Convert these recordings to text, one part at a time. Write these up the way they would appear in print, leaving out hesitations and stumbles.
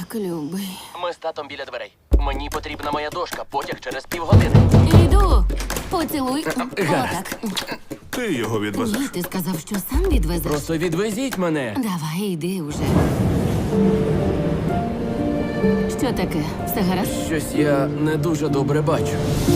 Так, любий. Ми з татом біля дверей. Мені потрібна моя дошка, потяг через півгодини. Іду. Поцілуй. Гаразд. Отак. Ти його відвезеш. Ні, ти сказав, що сам відвезеш. Просто відвезіть мене. Давай, йди уже. Що таке? Все гаразд? Щось я не дуже добре бачу.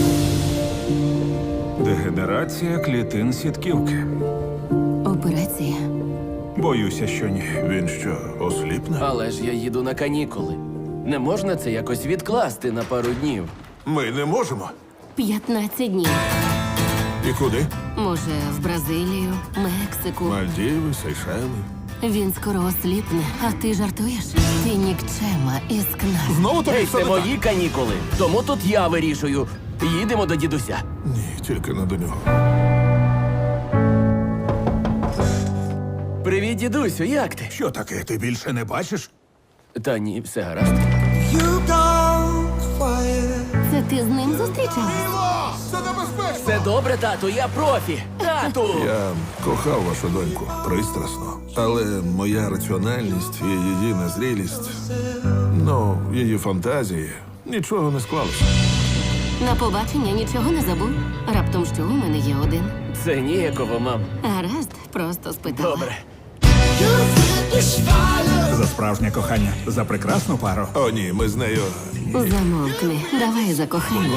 Дегенерація клітин сітківки. Операція. Боюся, що ні. Він що, осліпне? Але ж я їду на канікули. Не можна це якось відкласти на пару днів. Ми не можемо. 15 днів. І куди? Може, в Бразилію, Мексику. Мальдіви, Сейшели. Він скоро осліпне, а ти жартуєш? Ти нікчема і скнар. Знову тобі Ей, все це не так? мої канікули. Тому тут я вирішую. Їдемо до дідуся. Ні, тільки не до нього. Привіт, дідусю, як ти? Що таке? Ти більше не бачиш? Та ні, все гаразд. Це ти з ним зустрічалась? Це небезпечно! Все добре, тату, я профі. Тату! Я кохав вашу доньку пристрасно, але моя раціональність і її незрілість, її фантазії, нічого не склалося. На побачення нічого не забув? Раптом що у мене є один? Це ніякого, мам. Гаразд, просто спитала. Добре. За справжнє кохання, за прекрасну пару. О, ні, ми з нею. Замовкни, давай за кохання.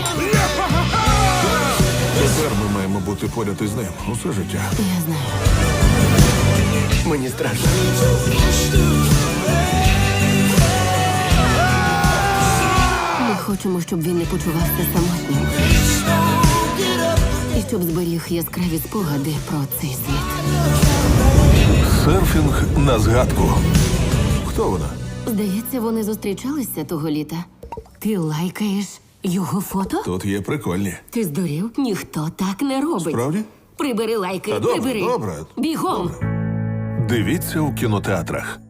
Тепер ми маємо бути поряд із ним усе життя. Я знаю. Мені страшно. Ми хочемо, щоб він не почувався самотнім. І щоб зберіг яскраві спогади про цей світ. Серфінг на згадку. Хто вона? Здається, вони зустрічалися того літа. Ти лайкаєш його фото? Тут є прикольні. Ти здурів? Ніхто так не робить. Справді? Прибери лайки, Та добре, прибери. добре. Бігом. Дивіться у кінотеатрах.